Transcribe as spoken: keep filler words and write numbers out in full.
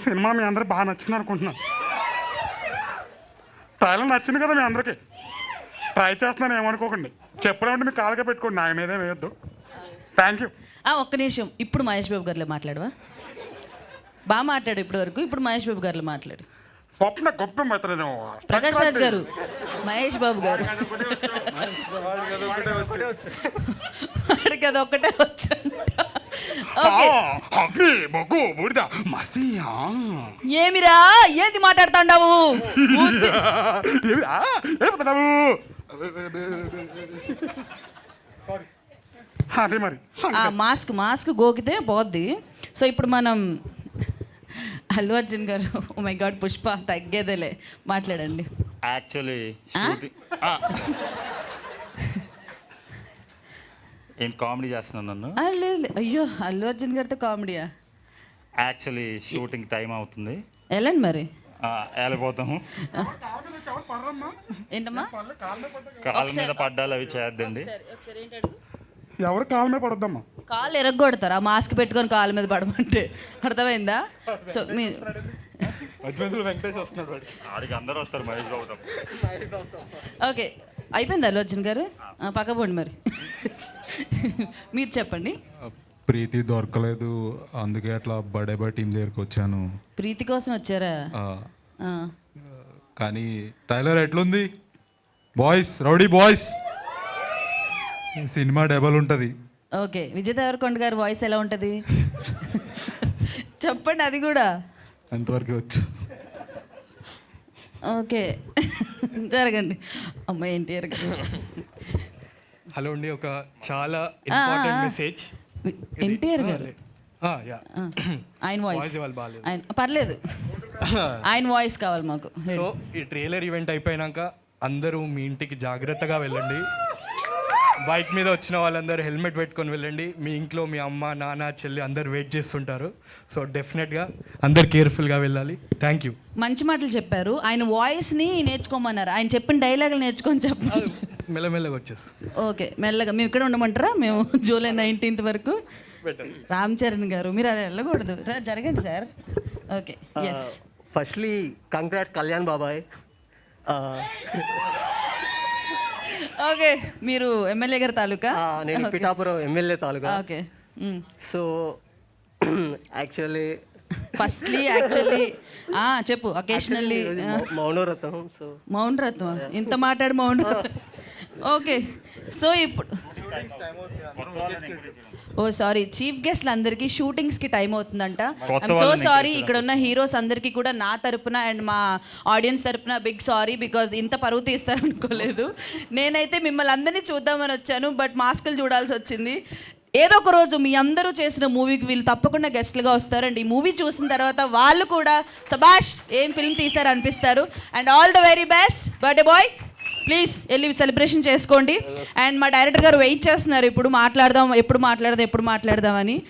Cinema మీ అందరికి బాగా నచ్చింది అనుకుంటున్నాను. ట్రైలర్ నచ్చింది కదా మీ అందరికీ. ట్రై చేస్తున్నాను ఏమనుకోకండి. చెప్పలేమంటే మీ కాళ్ళకే పెట్టుకోండి, నా మీదే వేయొద్దు. Thank you. ఒక్క నిమిషం, ఇప్పుడు మహేష్ బాబు గారిలో మాట్లాడవా? బాగా మాట్లాడు ఇప్పటి వరకు, ఇప్పుడు మహేష్ బాబు గారిలో మాట్లాడు. స్వప్న గొప్ప అవుతుంది. ప్రకాష్ రాజ్ గారు, మహేష్ బాబు గారు వాడికి అది ఒక్కటే వచ్చంట. ఏమిరా ఏది మాట్లాడుతాండావు? అదే మరి మాస్క్ మాస్క్ గోకితే పోద్ది. సో ఇప్పుడు మనం అల్లు అర్జున్ గారు, ఓ మై గాడ్ పుష్ప తగ్గేదేలే, మాట్లాడండి. యాక్చువల్లీ ఏంటి కామెడీ చేస్తున్నాను నన్ను? లేదు లేదు, అయ్యో అల్లు అర్జున్ గారితో కామెడీయా? యాక్చువల్లీ షూటింగ్ టైం అవుతుంది, వెళ్ళండి మరి. వెళ్ళిపోతాము. ఏంటమ్మా కాళ్ళ మీద పడ్డాలు అవి చేయొద్దండి. ఎవరు కాళ్ళ మీద పడొద్దమ్మా. కాళ్ళు ఎరగొడతారు ఆ మాస్క్ పెట్టుకొని కాళ్ళ మీద పడమంటే, అర్థమైందా? సో మీ వెంకటేష్ వస్తున్నాడు, వాడికి అందరూ వస్తారు, మహేష్ బాబు. ఓకే అయిపోయింది అల్లు అర్జున్ గారు, పక్కపోండి మరి. మీరు చెప్పండి. ప్రీతి దొరకలేదు, అందుకే అట్లా బడే బై టీం దగ్గరికి వచ్చాను. ప్రీతి కోసం వచ్చారా? కానీ టైలర్ ఎట్లుంది boys, rowdy boys? Cinema double ఉంటుంది. ఓకే, విజయ్ దేవరకొండ గారి వాయిస్ ఎలా ఉంటుంది చెప్పండి, అది కూడా అంతవరకు వచ్చు. ఓకే జరగండి. అమ్మ ఎన్టీఆర్ గారు. హలో అండి, ఒక చాలా ఇంపార్టెంట్ మెసేజ్. ఎన్టీఆర్ గారు ఆయన వాయిస్ ఆయన పర్లేదు, ఆయన వాయిస్ కావాలి మాకు. సో ఈ ట్రైలర్ ఈవెంట్ అయిపోయాక అందరూ మీ ఇంటికి జాగ్రత్తగా వెళ్ళండి. బైక్ మీద వచ్చిన వాళ్ళందరూ హెల్మెట్ పెట్టుకొని వెళ్ళండి. మీ ఇంట్లో మీ అమ్మ నాన్న చెల్లి అందరు వెయిట్ చేస్తుంటారు. సో డెఫినెట్గా అందరు కేర్ఫుల్గా వెళ్ళాలి. Thank you. మంచి మాటలు చెప్పారు. ఆయన వాయిస్ని నేర్చుకోమన్నారు, ఆయన చెప్పిన డైలాగులు నేర్చుకొని చెప్పాలి. మెల్లమెల్లగా వచ్చేస్తాం. ఓకే మెల్లగా. మేము ఇక్కడ ఉండమంటారా? మేము జూలై నైన్టీన్త్ వరకు. రామ్ చరణ్ గారు మీరు అలా వెళ్ళకూడదు, జరగండి sir. Okay yes. Firstly congrats Kalyan బాబాయ్. ఓకే, మీరు ఎమ్మెల్యే గారి తాలూకా? నేను పిఠాపురం ఎమ్మెల్యే తాలూకా. Okay. So actually firstly actually చెప్పు. అకేషనల్లీ మౌనవ్రతం. సో మౌనవ్రతం, ఇంత మాట్లాడు మౌనవ్రతం. ఓకే, సో ఇప్పుడు ఓ సారీ, చీఫ్ గెస్ట్లు అందరికీ షూటింగ్స్కి టైం అవుతుందంట. I'm so sorry. ఇక్కడ ఉన్న హీరోస్ అందరికీ కూడా నా తరపున అండ్ మా ఆడియన్స్ తరపున బిగ్ సారీ, బికాజ్ ఇంత పరువు తీస్తారనుకోలేదు. నేనైతే మిమ్మల్ని అందరినీ చూద్దామని వచ్చాను, బట్ మాస్కులు చూడాల్సి వచ్చింది. ఏదో ఒక రోజు మీ అందరూ చేసిన మూవీకి వీళ్ళు తప్పకుండా గెస్ట్లుగా వస్తారండి. ఈ మూవీ చూసిన తర్వాత వాళ్ళు కూడా సబాష్ ఏం ఫిల్మ్ తీశారు అనిపిస్తారు. And all the very best birthday boy. Please వెళ్ళి సెలబ్రేషన్ చేసుకోండి. అండ్ మా డైరెక్టర్ గారు వెయిట్ చేస్తున్నారు, ఇప్పుడు మాట్లాడదాం ఎప్పుడు మాట్లాడదాం ఎప్పుడు మాట్లాడదామని.